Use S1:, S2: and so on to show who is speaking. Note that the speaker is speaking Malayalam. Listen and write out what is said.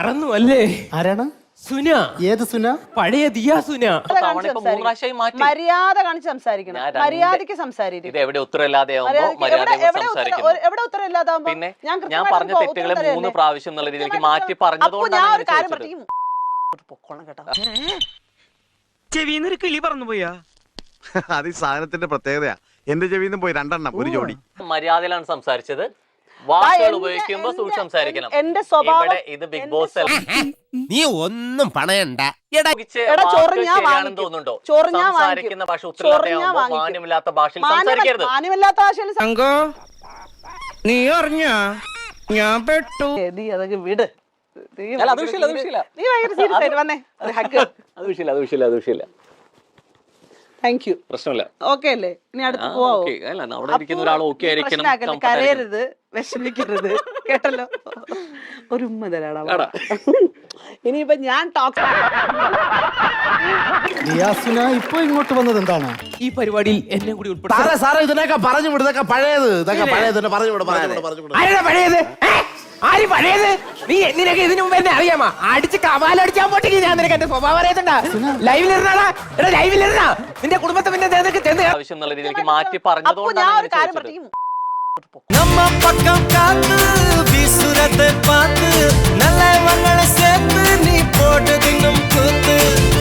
S1: അല്ലേ?
S2: ആരാണ്?
S1: സുന.
S2: ഏത് സുന?
S1: പഴയ ദിയാ സുന.
S3: മര്യാദ കാണിച്ച് സംസാരിക്കണം. മര്യാദക്ക് സംസാരിക്കും.
S4: ഇത് എവിടെ ഉത്തരവില്ലാതെയാവുമ്പോ
S3: എവിടെ ഉത്തരവില്ലാതാവുമ്പോ
S4: ഞാൻ പറഞ്ഞ തെറ്റുകളെ 3 പ്രാവശ്യം എന്നുള്ള രീതിയിലേക്ക് മാറ്റി പറഞ്ഞതുകൊണ്ടാണ്
S1: ചെവിന്നൊരു കിളി പറന്നു പോയാ.
S5: അത് ഈ സാധനത്തിന്റെ പ്രത്യേകതയാ. എന്റെ ചെവിന്ന് പോയി 2 എണ്ണം ഒരു ജോഡി.
S4: മര്യാദയിലാണ് സംസാരിച്ചത്. വാക്കുകൾ ഉപയോഗിക്കുമ്പോ സൂക്ഷിച്ച് സംസാരിക്കണം.
S3: എന്റെ സ്വഭാവം
S4: ഇത് ബിഗ് ബോസ്
S6: നീ ഒന്നും പണയണ്ട.
S4: തോന്നുന്നുണ്ടോ? സംസാരിക്കുന്ന ഭാഷ ഉത്തരവില്ലാതെയാവുമ്പോ മാന്യമില്ലാത്ത ഭാഷയിൽ സംസാരിക്കരുത്.
S1: സംഘോ നീ അറിഞ്ഞ ഞാൻ പെട്ടു.
S3: നീ അതൊക്കെ വിട്.
S4: അത് വിഷയമില്ല.
S3: Thank you.
S4: പ്രശ്നമില്ല.
S3: ഓക്കെ അല്ലേ? ഇനി അടുത്ത് പോവാം.
S4: അവിടെ ഇരിക്കുന്ന ഒരാൾ ഓക്കെ ആയിരിക്കണം.
S3: കരയരുത്, വിഷമിക്കരുത്, കേട്ടല്ലോ. ഒരു ഉമ്മ തരാടാ. ഇനിയിപ്പൊ ഞാൻ
S2: ഇപ്പൊ ഇങ്ങോട്ട് വന്നത് എന്താണ്?
S1: ഈ പരിപാടിയിൽ എന്നെ കൂടി ഉൾപ്പെടുത്തി.
S2: സാറേ ഇതിനൊക്കെ പറഞ്ഞു വിടും. ഇതൊക്കെ പഴയത്. പറഞ്ഞു വിടും.
S1: പഴയത് ആര് പഴയത്? നീ നിനക്ക് ഇതിനു മുമ്പ് എന്നെ അറിയാമാ? അടിച്ച് കവാലടിച്ചാൻ പോട്ടെങ്കിൽ ഞാൻ നിനക്ക് എന്റെ സ്വഭാവം അറിയത്തണ്ട. ലൈവിലിരുന്നാടാ. എടാ ലൈവിലിരുന്നാ നിന്റെ കുടുംബത്തെ പിന്നെ
S4: ആവശ്യം എന്നുള്ള രീതിയിലേക്ക് മാറ്റി പറഞ്ഞതുകൊണ്ടാണ്
S6: நம்ம பக்கம் காத்து விசுரத்தை பார்த்து